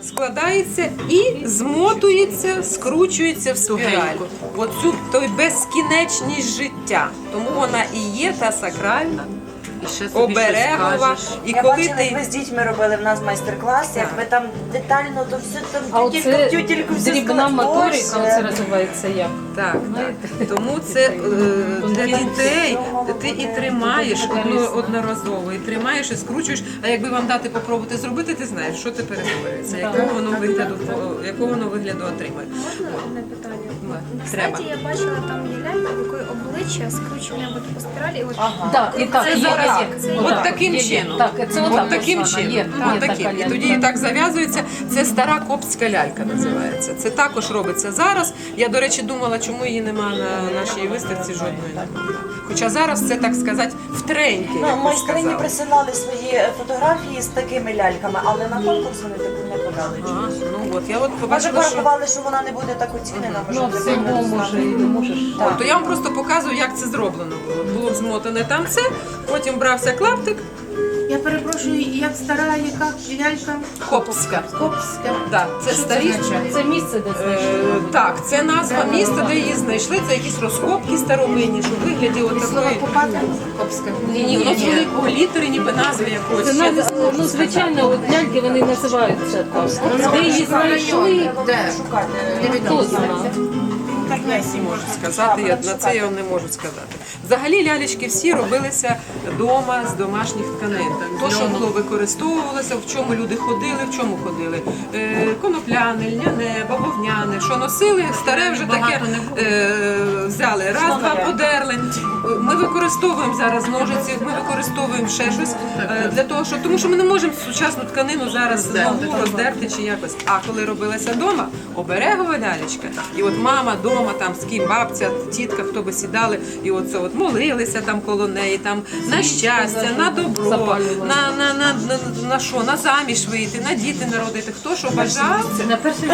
складається і змотується, скручується в спіраль. Оцю той безкінечність життя. Тому вона і є та сакральна, оберегова. І Я коли бачила, як ви з дітьми робили в нас майстер-клас, як ви там детально, то все там А оце тютельку все дрібна сказали. моторика, оце називається як? Так, так. Тому це для дітей ти і тримаєш одноразово, і тримаєш, і скручуєш, а якби вам дати попробувати зробити, ти знаєш, що ти перетворюється, якого воно вигляду отримає. Одне питання. На Треба. сайті я бачила, там є лялька, в якої обличчя скручене по спіралі. І от Так, і так, Це є, зараз є. от Отак, таким є, чином. Так, це От отак таким ось вона, чином. є От таким. така І лялька. тоді так зав'язується. Це стара коптська лялька називається. Це також робиться зараз. Я, до речі, думала, чому її нема на нашій виставці жодної немає. Хоча зараз це, так сказати, в тренді, Ну, як ви майстрині сказали. присилали свої фотографії з такими ляльками, але на конкурс вони таку не подали. А, ну от, я от Може, побачила, що... порахували, що вона не буде так оцінена, може, Ну, для всього конкурсу. може і не можеш. То я вам просто показую, як це зроблено було. Було змотане там це, потім брався клаптик, Я перепрошую, як стара, яка лялька? коптська. Копська. Так, це Що старі. це означає? Це місце, де знайшли. Так, це назва міста, де її знайшли. Це якісь розкопки старовинні, що в вигляді от Слово такої. копати? Копська. Ні, воно з великого літери, ніби назви якоїсь. Це Ще не назва, ну, звичайно, от ляльки вони називаються так. Де її знайшли, Де? хто знає. Так не всі можуть сказати, на це я вам не можу сказати. Взагалі лялечки всі робилися вдома з домашніх тканин. То, що було використовувалося, в чому люди ходили, в чому ходили. Конопляне, льняне, бавовняне, що носили, старе вже таке взяли, раз-два подерли. Ми використовуємо зараз ножиці, ми використовуємо ще щось для того, що тому що ми не можемо сучасну тканину зараз знову роздерти чи якось. А коли робилася вдома, оберегова лялечка, і от мама вдома, там з ким бабця, тітка, хто би сідали, і оце от молилися там коло неї, там на щастя, на добро, на що, на заміж вийти, на діти народити. Хто що бажав, На перший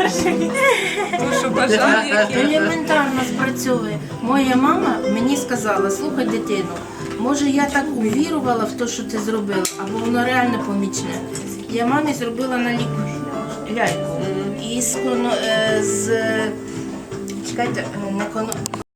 хто що бажав, який. Елементарно спрацьовує. Моя мама мені сказала, слухай, дитину, може я так увірувала в те, що ти зробила, або воно реально помічне. Я мамі зробила на ляльку. І з чекайте,